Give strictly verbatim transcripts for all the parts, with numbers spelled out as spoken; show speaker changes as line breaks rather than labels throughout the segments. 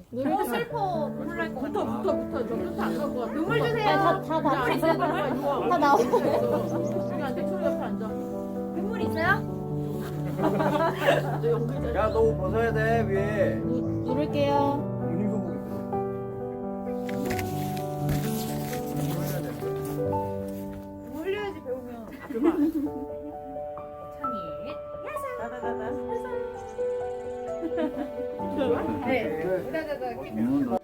너무 슬퍼. 눈물 날것 같아.
붙어 붙어 붙어. 저 끝에 안 갈 것 같아.
눈물 주세요.
다, 다,
눈물 있어요?
다, 다 나오고.
여기 앉아. 초리 옆에 앉아.
눈물 있어요?
저 연기자.
야, 너 옷 벗어야 돼, 위에.
누, 누를게요.
본인 소복 입어.
눈물 흘려야지 배우면.
그만.
창이.
나나나나.
네. 다다다.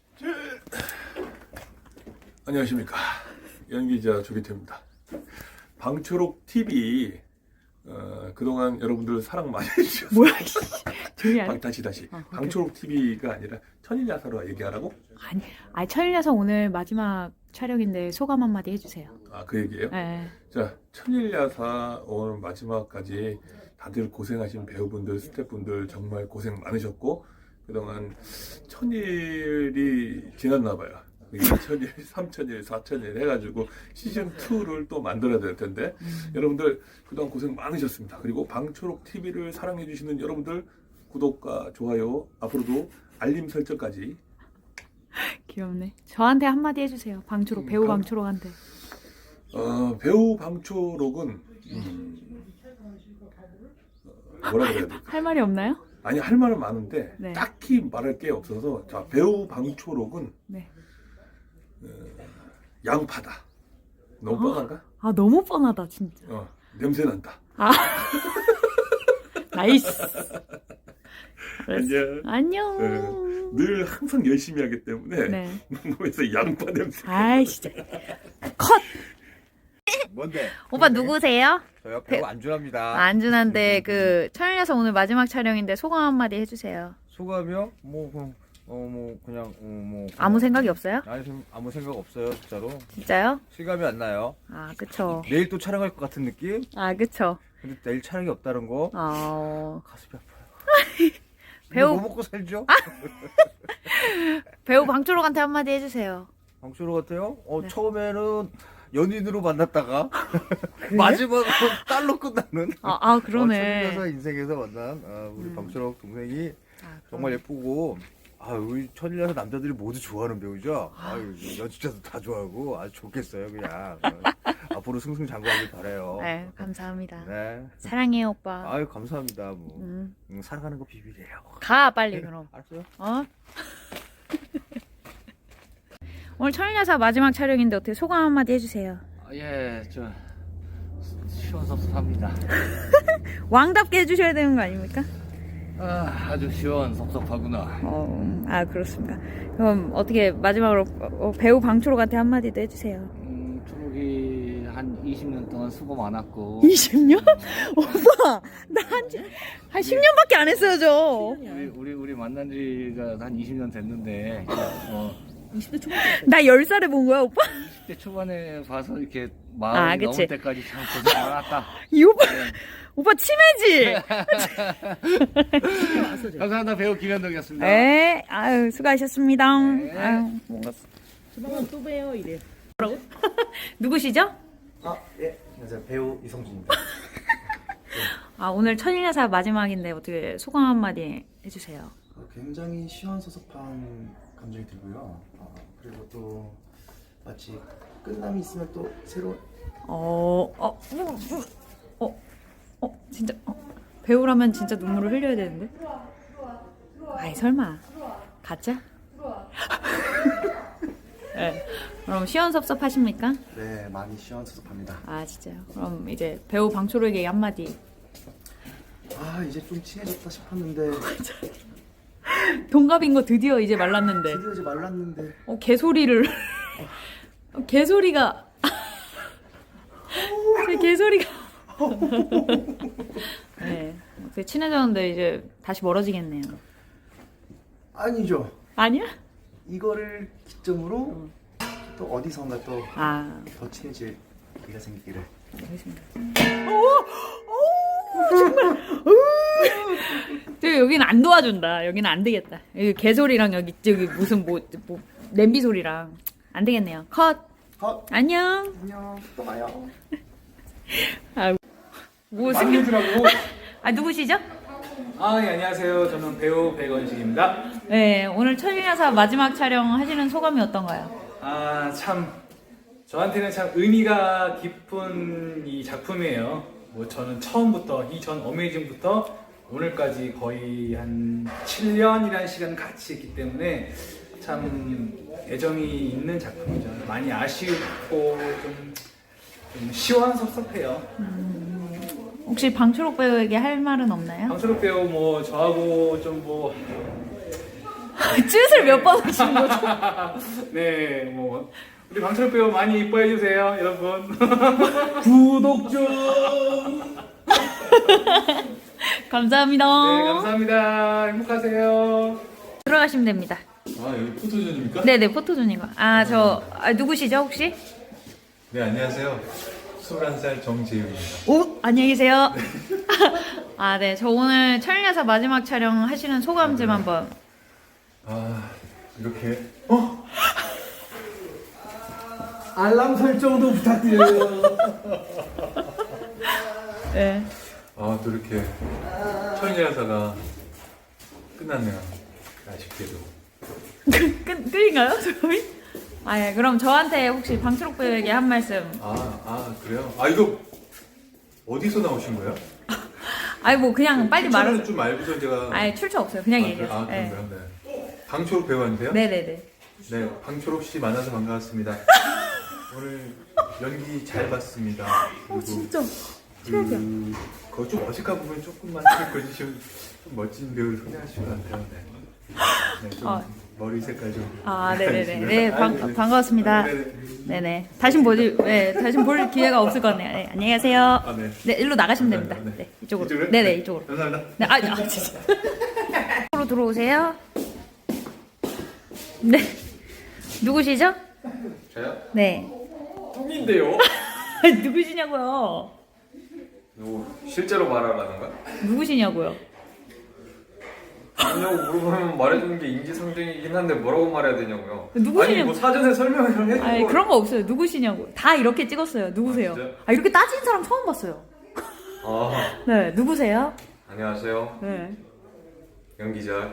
안녕하십니까. 연기자 조기태입니다. 방초록 티비 어, 그동안 여러분들 사랑 많이 해주셨어요.
뭐야, 조용히 안 해.
다시 다시.
어,
방초록 티비가 아니라 천일야사로 얘기하라고?
아니, 아니, 천일야사 오늘 마지막 촬영인데 소감 한마디 해주세요.
아, 그 얘기예요?
네.
자, 천일야사 오늘 마지막까지 다들 고생하신 배우분들, 스태프분들 정말 고생 많으셨고 그동안 천일이 지났나 봐요. 이천일, 삼천일, 사천일 해가지고 시즌이를 또 만들어야 될 텐데
음.
여러분들 그동안 고생 많으셨습니다. 그리고 방초록 티비를 사랑해주시는 여러분들 구독과 좋아요 앞으로도 알림 설정까지.
귀엽네. 저한테 한마디 해주세요. 방초록, 배우
음, 감-
방초록한테.
어, 배우 방초록은 음, 어, 뭐라 그래야 될까?
할 말이 없나요?
아니 할 말은 많은데
네.
딱히 말할 게 없어서 자 배우 방초록은
네.
양파다. 너무 뻔한가?
아, 너무 뻔하다, 진짜.
어, 냄새 난다.
아. 나이스.
안녕.
안녕.
네. 늘 항상 열심히 하기 때문에
네.
몸에서 양파 냄새.
아이, 진짜. 컷!
뭔데?
오빠 누구세요?
저요, 배우 안준합니다.
안준한데 그 천일야사 오늘 마지막 촬영인데 소감 한마디 해주세요.
소감이요? 뭐, 그, 어, 뭐, 그냥, 어, 뭐. 그냥-
아무 생각이 없어요?
아니, 좀 아무 생각 없어요, 진짜로.
진짜요?
실감이 안 나요.
아, 그쵸.
내일 또 촬영할 것 같은 느낌?
아, 그쵸.
근데 내일 촬영이 없다는 거?
어,
가슴이 아파요.
배우-
뭐 먹고 살죠?
배우 방초록한테 한마디 해주세요.
방초로 같아요? 어,
네.
처음에는 연인으로 만났다가 마지막으로 딸로 끝나는
아, 아
어,
그러네.
천일야사 인생에서 만난 아, 우리
음.
방초록 동생이
아,
정말 예쁘고 아 우리 천일야사 남자들이 모두 좋아하는 배우죠. 아 연출자도 다 좋아하고 아주 좋겠어요 그냥. 앞으로 승승장구하길 바래요.
네, 감사합니다.
네.
사랑해요, 오빠.
아유 감사합니다. 뭐
음.
음, 살아가는 거 비밀이에요.
가, 빨리, 그럼.
알았어요?
어? 오늘 천일야사 마지막 촬영인데 어떻게 소감 한마디 해주세요.
아, 예, 저 시원섭섭합니다.
왕답게 해주셔야 되는 거 아닙니까?
아, 아주 시원섭섭하구나.
어, 아, 그렇습니다. 그럼 어떻게 마지막으로 어, 배우 방초록한테 한마디도 해주세요.
음, 초록이 한 이십 년 동안 수고 많았고
이십 년? 오빠, 나 한, 한 십 년밖에 안 했어요, 저.
우리 우리, 우리 만난 지가 한 이십 년 됐는데 어,
이십 대 초반.
나 열 살에 본 거야, 오빠?
이십 대 초반에 봐서 이렇게
아,
마음이
그치.
넘을 때까지 참 고생 많았다.
이 오빠,
네.
오빠 치매지?
감사합니다. 배우 김현덕이었습니다.
네, 아유, 수고하셨습니다.
네.
아유, 뭔가.
조만간 또 봬요 이래.
누구시죠?
아, 예. 안녕하세요. 배우 이성준입니다.
아, 오늘 천일야사 마지막인데 어떻게 소감 한마디 해주세요.
어, 굉장히 시원섭섭한 감정이 들고요. 어, 그리고 또 마치 끝남이 있으면 또 새로운
어, 어, 어, 어, 어, 진짜, 어, 배우라면 진짜 눈물을 흘려야 되는데? 아이, 설마. 가짜? 네. 그럼 시원섭섭하십니까?
네, 많이 시원섭섭합니다.
아, 진짜요? 그럼 이제 배우 방초록에게 한마디.
아, 이제 좀 친해졌다 싶었는데
동갑인 거 드디어 이제 말랐는데.
드디어 이제 말랐는데
어, 개소리를. 어, 개소리가. 제 개소리가. 네. 어떻게 친해졌는데 이제 다시 멀어지겠네요.
아니죠.
아니야?
이거를 기점으로 또 어디선가 또 더
아,
친해질 기회가 생기기를.
알겠습니다. 저 여기는 안 도와준다. 여기는 안 되겠다. 여기 개소리랑 여기 저기 무슨 뭐, 뭐 냄비 소리랑 안 되겠네요. 컷.
어,
안녕.
안녕. 또 봐요.
뭐 승리. 아, 누구시죠?
아, 예, 안녕하세요. 저는 배우 백원식입니다.
네, 오늘 천리야사 마지막 촬영 하시는 소감이 어떤가요?
아, 참 저한테는 참 의미가 깊은 이 작품이에요. 뭐 저는 처음부터 이전 어메이징부터 오늘까지 거의 한 칠 년이라는 시간 같이 했기 때문에 참 애정이 있는 작품이죠. 많이 아쉽고 좀, 좀 시원섭섭해요.
혹시 방초록 배우에게 할 말은 없나요?
방수록 배우 뭐 저하고 좀 뭐
쯧을 몇 번 하신 거죠?
네, 뭐 우리 방철 배우 많이 이뻐해 주세요, 여러분. 구독 좀.
감사합니다.
네, 감사합니다. 행복하세요.
들어가시면 됩니다.
아 여기 포토존입니까?
네네, 포토존이고. 아, 저 아, 누구시죠 혹시?
네 안녕하세요. 스물한 살 정재윤입니다.
오, 안녕히 계세요. 아, 네, 저 오늘 천리야사 마지막 촬영 하시는 소감 좀 한번.
아 이렇게 어?
알람 설정도 부탁드려요.
네.
아 또 이렇게 천리야사가 끝났네요. 아쉽게도.
끝, 끝, 끝인가요, 소감이? 아, 예, 그럼 저한테 혹시 방초록 배우에게 한 말씀.
아, 아 그래요? 아 이거 어디서 나오신 거예요?
아니, 뭐 그냥 빨리
출처는
말하.
좀 알고서 제가
아니, 출처 없어요. 그냥
아, 그래?
얘기해요.
아
네.
그런가요? 네. 방초록 배우한테요?
네네네.
네, 방초록 씨 만나서 반가웠습니다. 오늘 연기 잘 봤습니다.
어, 진짜.
최악이야. 그, 그거 좀 어색한 부분 조금만 거주시면 좀 멋진 배우를 소개하실 것 같아요. 네. 네, 좀
아.
머리 색깔 좀.
아, 네네네.
알겠습니다.
네, 반,
아, 네.
반가웠습니다.
네네.
네네. 다시 보지, 네, 다시 볼 기회가 없을 것 같네요. 네, 안녕히 가세요.
아, 네.
네, 일로 나가시면 됩니다.
감사합니다.
네, 이쪽으로.
이쪽으로요?
네네,
네.
이쪽으로.
감사합니다.
네, 아, 아, 진짜. 이쪽으로 들어오세요. 네. 누구시죠?
저요?
네.
뚱인데요?
누구시냐고요?
누구 실제로 말하라는 거야?
누구시냐고요?
아니요 물어보면 말해주는 게 인지상정이긴 한데 뭐라고 말해야 되냐고요.
누구시냐고.
아니 뭐 사전에 설명을 해주고.
아니, 그런 거 없어요. 누구시냐고. 다 이렇게 찍었어요. 누구세요?
아, 진짜요?
아, 이렇게 따지는 사람 처음 봤어요.
아
네, 누구세요?
안녕하세요.
네.
연기자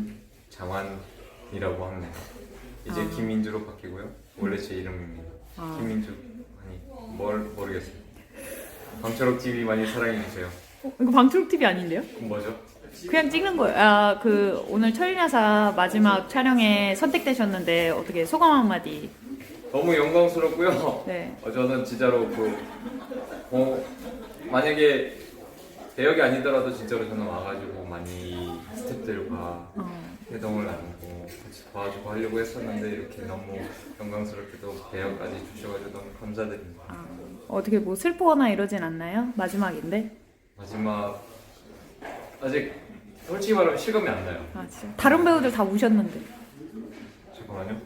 김장환이라고 합니다. 이제
아.
김민주로 바뀌고요. 원래 제 이름입니다.
아.
김민주 아니 뭘 모르겠어요. 방철옥 티비 많이 사랑해주세요.
어, 이거 방초록 티비 아닌데요?
그럼 뭐죠?
그냥 찍는 거예요. 아, 그 오늘 천리야사 마지막 촬영에 선택되셨는데 어떻게 소감 한마디?
너무 영광스럽고요.
네.
어, 저는 진짜로 그 어, 만약에 대역이 아니더라도 진짜로 저는 와가지고 많이 스태프들과
어.
회동을 나누고 같이 도와주고 하려고 했었는데 이렇게 너무 영광스럽게도 대역까지 주셔가지고 너무 감사드립니다.
아, 어떻게 뭐 슬퍼거나 이러진 않나요? 마지막인데.
마지막 아직 솔직히 말하면 실감이 안 나요.
아, 진짜. 다른 배우들 다 우셨는데.
잠깐만요.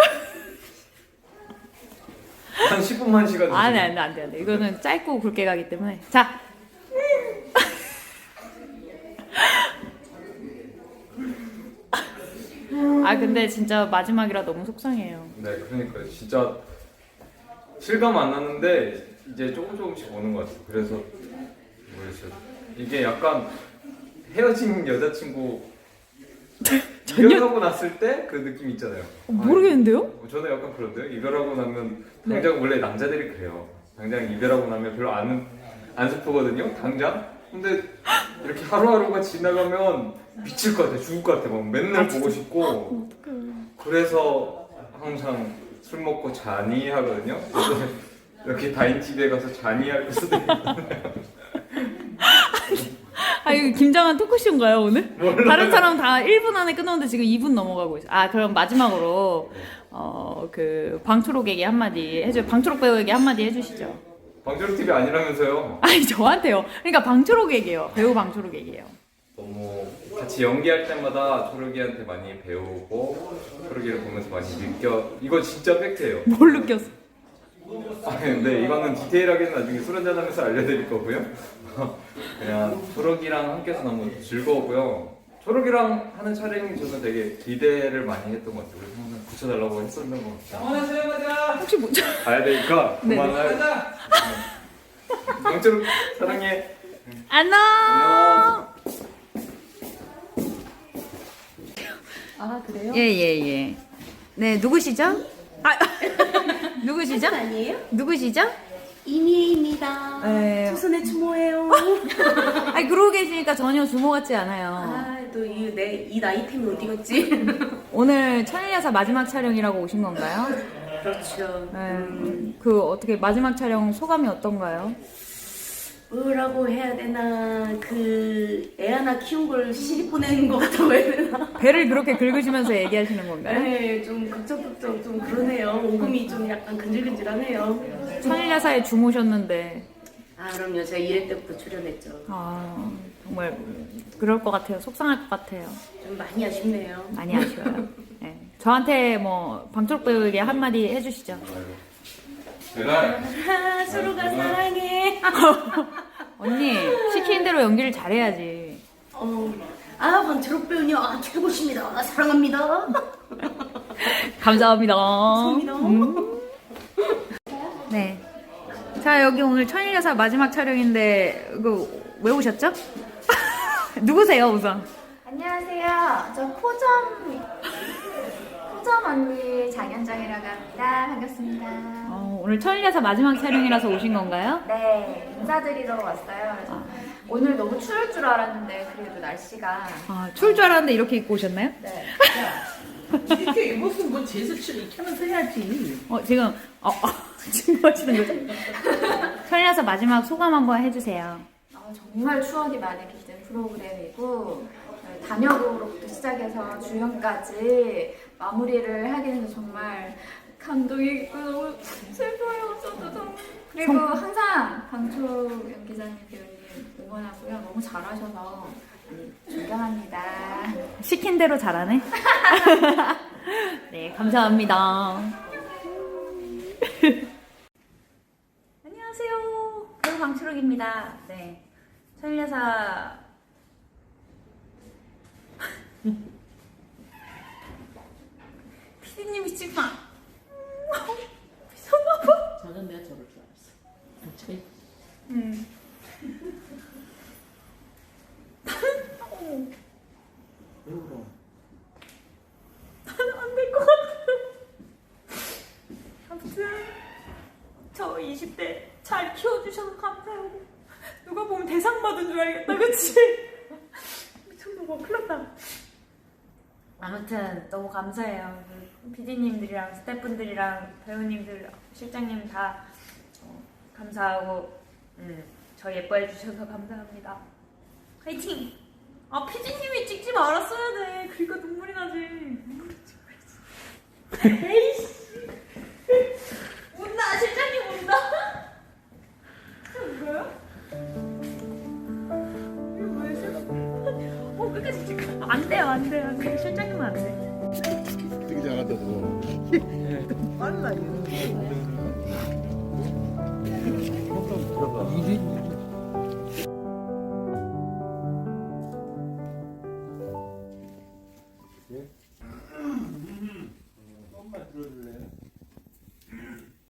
한 십 분만 시간 주세요.
아, 네, 안 돼, 안 돼, 안 돼. 이거는 짧고 굵게 가기 때문에. 자. 아, 근데 진짜 마지막이라 너무 속상해요.
네, 그러니까요. 진짜 실감 안 나는데 이제 조금 조금씩 오는 것 같아요. 그래서 모르겠어요. 이게 약간 헤어진 여자친구 이별하고 났을 때 그 느낌 있잖아요.
어, 모르겠는데요?
아, 저는 약간 그런데요. 이별하고 나면 당장
네.
원래 남자들이 그래요. 당장 이별하고 나면 별로 안, 안 슬프거든요. 당장. 근데 이렇게 하루하루가 지나가면 미칠 것 같아. 죽을 것 같아. 막 맨날
아,
보고 싶고. 그래서 항상 술 먹고 자니 하거든요. 그래서 이렇게 다인집에 가서 자니 할 수도 있거든요.
아, 이거 김장한 토크쇼인가요, 오늘?
몰라요.
다른 사람 다 일 분 안에 끊었는데 지금 이 분 넘어가고 있어요. 아, 그럼 마지막으로, 어, 그, 방초록에게 한마디 해줘, 방초록 배우에게 한마디 해주시죠.
방철욱 티비 아니라면서요.
아니, 저한테요. 그러니까 방초록에게요. 배우 방초록에게요.
너무 같이 연기할 때마다 초록이한테 많이 배우고 초록이를 보면서 많이 느껴. 이거 진짜 팩트예요.
뭘 느꼈어?
아 근데 이거는 디테일하게는 나중에 술 한잔하면서 알려드릴 거고요. 그냥 초록이랑 함께해서 너무 즐거웠고요. 초록이랑 하는 촬영이 저는 되게 기대를 많이 했던 것 같아요. 그래서 항상 붙여달라고 했었는 것 같아요.
혹시 뭐, 저,
가야 되니까
네네.
그만할. 방초록 사랑해.
안녕!
안녕.
아 그래요?
예예 예. 네 누구시죠? 아 누구시죠?
아니에요?
누구시죠?
이미혜입니다.
네.
조선의 추모예요.
아니 그러고 계시니까 전혀 주모 같지 않아요.
아또이내이 나이 때문에 어디 갔지?
오늘 천일야사 마지막 촬영이라고 오신 건가요?
그렇죠.
네. 그 어떻게 마지막 촬영 소감이 어떤가요?
뭐라고 해야 되나 그 애 하나 키운 걸 시집 보내는 것 같다고 해야 되나?
배를 그렇게 긁으시면서 얘기하시는 건가요?
네, 좀 걱정걱정 좀 그러네요. 오금이 좀 약간 근질근질하네요.
천일야사에 주모셨는데
아 그럼요. 제가 일 회 때부터 출연했죠.
아 정말 그럴 것 같아요. 속상할 것 같아요.
좀 많이 아쉽네요.
많이 아쉬워요. 네. 저한테 뭐 방철옥 배우에게 한마디 해주시죠.
배달.
아, 서로가 사랑해.
언니 시키는 대로 연기를 잘해야지.
어, 아 방철옥 배우님 아 최고십니다. 아, 사랑합니다.
감사합니다.
감사합니다.
음. 네. 자 여기 오늘 천일야사 마지막 촬영인데 그 왜 오셨죠? 누구세요 우선?
안녕하세요. 저 포점 포점 언니 장현정이라고 합니다. 반갑습니다.
어, 오늘 천일야사 마지막 촬영이라서 오신 건가요?
네, 인사드리러 왔어요. 그래서 오늘 너무 추울 줄 알았는데 그래도 날씨가
아, 추울 줄 알았는데 이렇게 입고 오셨나요?
네.
이렇게 입었으면 뭐 제수치를 익혀면서 해야지.
어 지금 어, 어 지금 뭐 하시는 거죠? 천일야사 마지막 소감 한번 해주세요.
어, 정말 추억이 많이 깃든 프로그램이고 단역으로부터 시작해서 주연까지 마무리를 하게 돼서 정말 감동이 있고 너무 슬퍼요. 저도 정말. 그리고 항상 방초 연기자님 배우님 응원하고요. 너무 잘하셔서 존경합니다.
시킨 대로 잘하네. 네, 감사합니다. 안녕하세요. 배우 방추록입니다. 네, 천일야사 피디님이 지금 막 미쳤나봐.
저는 내가 저럴 줄 알았어. 제
음.
왜 울어?
나는 안 될 것 같아요. 아무튼 저 이십 대 잘 키워주셔서 감사하고 누가 보면 대상 받은 줄 알겠다 그치? 미쳤나봐 큰일 났다. 아무튼 너무 감사해요. 피디님들이랑 스태프분들이랑 배우님들 실장님 다 어, 감사하고 음, 저 예뻐해 주셔서 감사합니다. 화이팅! 아 피디님이 찍지 말았어야 돼. 그러니까 눈물이 나지. 에이씨 운다. 실장님 운다. 울어요? 이거 왜 실장? 어 끝까지 찍어. 안 돼요 안 돼요 안 돼요. 실장님은 안 돼.
되게 잘한다 너.
빨라 이거.